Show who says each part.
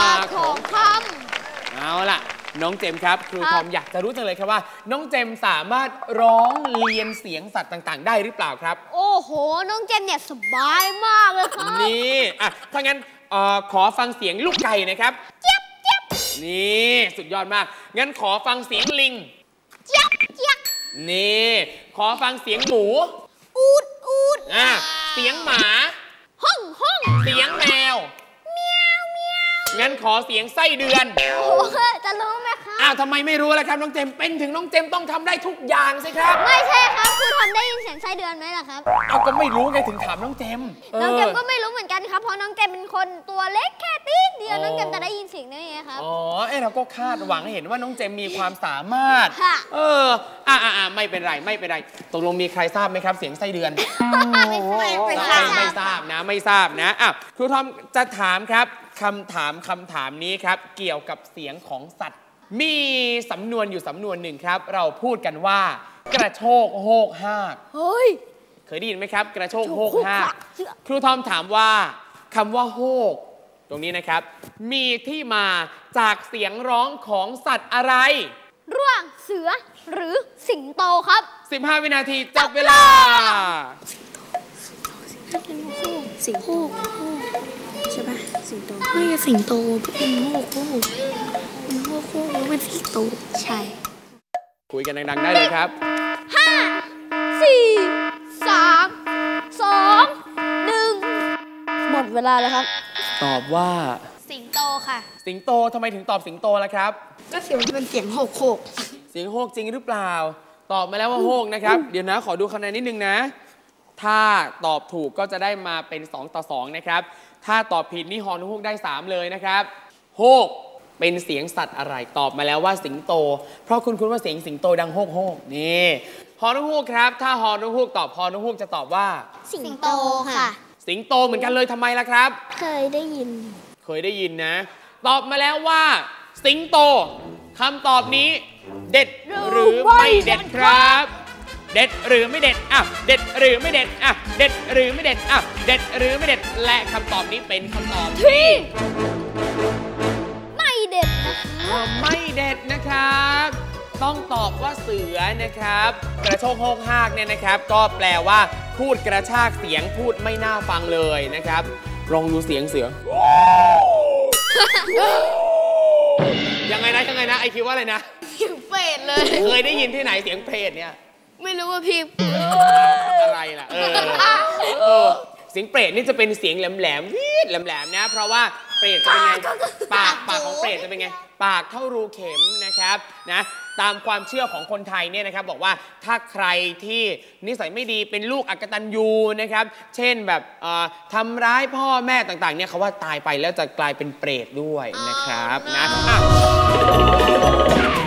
Speaker 1: ของค
Speaker 2: ำเอาล่ะน้องเจมครับครูทอมอยากจะรู้จังเลยครับว่าน้องเจมสามารถร้องเรียนเสียงสัตว์ต่างๆได้หรือเปล่าครับ
Speaker 1: โอ้โหน้องเจมเนี่ยสบายมากเลยครับ
Speaker 2: นี่ถ้างั้นขอฟังเสียงลูกไก่นะครับ
Speaker 1: เจี๊ยบเจี๊ยบ
Speaker 2: นี่สุดยอดมากงั้นขอฟังเสียงลิง
Speaker 1: เจี๊ยบเจี๊ยบ
Speaker 2: นี่ขอฟังเสียงหมู
Speaker 1: อูดอูด
Speaker 2: เสียงหมา
Speaker 1: ห้องห้อง
Speaker 2: เสียงแมว
Speaker 1: เมียวเมียว
Speaker 2: งั้นขอเสียงไส้เดือน
Speaker 1: โอ้จะรู้ไหมครับ
Speaker 2: ทำไมไม่รู้ล่ะครับน้องเจมเป็นถึงน้องเจมต้องทำได้ทุกอย่างสิครับ
Speaker 1: ไม่ใช่ครับคือทำได้ยินเสียงไส้เดือนไหมล่ะครับ
Speaker 2: ก็ไม่รู้ไงถึงถามน้องเจม
Speaker 1: น้องเจมก็ไม่รู้เหมือนกันครับเพราะน้องเจมเป็นคนตัวเล็กแค่ตีเดียวน้องเจมจะได้ยินเสียงได้ไงครับ
Speaker 2: เราก็คาดหวังให้เห็นว่าน้องเจมมีความสามารถไม่เป็นไรไม่เป็นไรตกลงมีใครทราบไหมครับเสียงไส้เดือนไม่ทราบนะไม่ทราบนะครูทอมจะถามครับคำถามนี้ครับเกี่ยวกับเสียงของสัตว์มีสำนวนอยู่สำนวนหนึ่งครับเราพูดกันว่ากระโชกโฮกฮากเคยได้ยินไหมครับกระโชกโฮกฮากครูทอมถามว่าคำว่าโฮกตรงนี้นะครับมีที่มาจากเสียงร้องของสัตว์อะไร
Speaker 1: ระหว่างเสือหรือสิงโตครับ
Speaker 2: 15วินาทีจับเวลา
Speaker 3: สิงโตใช่ปะสิงโตไม่ใช่สิงโตเป็นโฮกเป็นสิงโตใช่
Speaker 2: คุยกันดังๆได้เลยครับ
Speaker 1: 5 4 3 2 1หมดเวลาแล้วครับ
Speaker 2: ตอบว่า
Speaker 1: สิงโตค่ะ
Speaker 2: สิงโตทำไมถึงตอบสิงโตล่ะครับ
Speaker 3: ก็เสียงมันเป็นเสียงโฮก
Speaker 2: เสียงโฮกจริงหรือเปล่าตอบมาแล้วว่าโฮกนะครับเดี๋ยวนะขอดูคะแนนนิดนึงนะถ้าตอบถูกก็จะได้มาเป็น2-2นะครับถ้าตอบผิดนี่ฮอนุฮกได้3เลยนะครับโฮกเป็นเสียงสัตว์อะไรตอบมาแล้วว่าสิงโตเพราะคุณว่าเสียงสิงโตดังโฮกโฮกนี่ฮอนุฮกครับถ้าฮอนุฮกตอบฮอนุฮกจะตอบว่า
Speaker 1: สิงโตค่ะ
Speaker 2: สิงโตเหมือนกันเลยทำไมล่ะครับ
Speaker 1: เคยได้ยิน
Speaker 2: นะตอบมาแล้วว่าสิงโตคำตอบนี้เด็ดหรือไม่เด็ดครับเด็ดหรือไม่เด็ดเด็ดหรือไม่เด็ดเด็ดหรือไม่เด็ดเด็ดหรือไม่เด็ดและคำตอบนี้เป็นคำตอบที่
Speaker 1: ไม่เด็ดนะคะ
Speaker 2: ไม่เด็ดนะครับต้องตอบว่าเสือนะครับกระโชกโฮกฮากเนี่ยนะครับก็แปลว่าพูดกระชากเสียงพูดไม่น่าฟังเลยนะครับลองดูเสียงเสือยังไงนะไอคิดว่าอะไรนะ
Speaker 1: เสียงเปรตเลย
Speaker 2: เคยได้ยินที่ไหนเสียงเปรตเนี่ย
Speaker 1: ไม่รู้ว่าพี่
Speaker 2: อะไรล่ะเสียงเปรตนี่จะเป็นเสียงแหลมนะเพราะว่าเปรตจะเป็นไงปากของเปรตจะเป็นไงปากเท่ารูเข็มนะครับนะตามความเชื่อของคนไทยเนี่ยนะครับบอกว่าถ้าใครที่นิสัยไม่ดีเป็นลูกอกตัญญูนะครับเช่นแบบทำร้ายพ่อแม่ต่างๆเนี่ยเขาว่าตายไปแล้วจะกลายเป็นเปรตด้วยนะครับนะ